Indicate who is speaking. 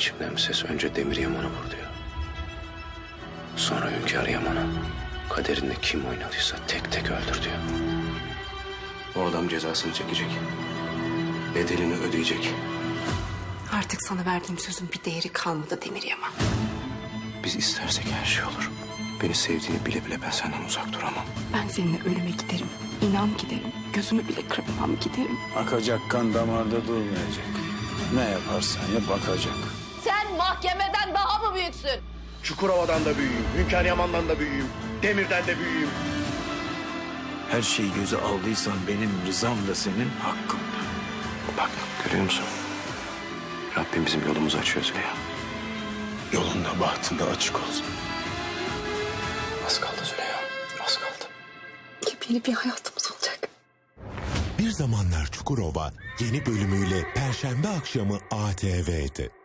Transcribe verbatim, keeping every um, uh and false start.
Speaker 1: içimden bir ses önce Demir Yaman'ı vur diyor. Sonra Hünkâr Yaman'a kaderinde kim oynadıysa tek tek öldür diyor. O adam cezasını çekecek. Bedelini ödeyecek.
Speaker 2: Artık sana verdiğim sözün bir değeri kalmadı Demir Yaman.
Speaker 1: Biz istersek her şey olur. Beni sevdiğini bile bile ben senden uzak duramam.
Speaker 2: Ben seninle ölüme giderim. İnan giderim. Gözümü bile kırpmam giderim.
Speaker 3: Akacak kan damarda durmayacak. Ne yaparsan yap akacak.
Speaker 4: Sen mahkemeden daha mı büyüksün?
Speaker 5: Çukurova'dan da büyüğüm, Hünkâr Yaman'dan da büyüğüm, Demir'den de büyüğüm.
Speaker 3: Her şeyi göze aldıysan benim rızam da senin hakkın.
Speaker 1: Bak görüyor musun? Rabbim bizim yolumuzu açıyor Züleyha.
Speaker 3: Yolunda bahtında açık olsun.
Speaker 1: Az kaldı Züleyha, az kaldı.
Speaker 2: Yepyeni bir hayatımız olacak.
Speaker 6: Bir Zamanlar Çukurova yeni bölümüyle Perşembe akşamı A T V'de.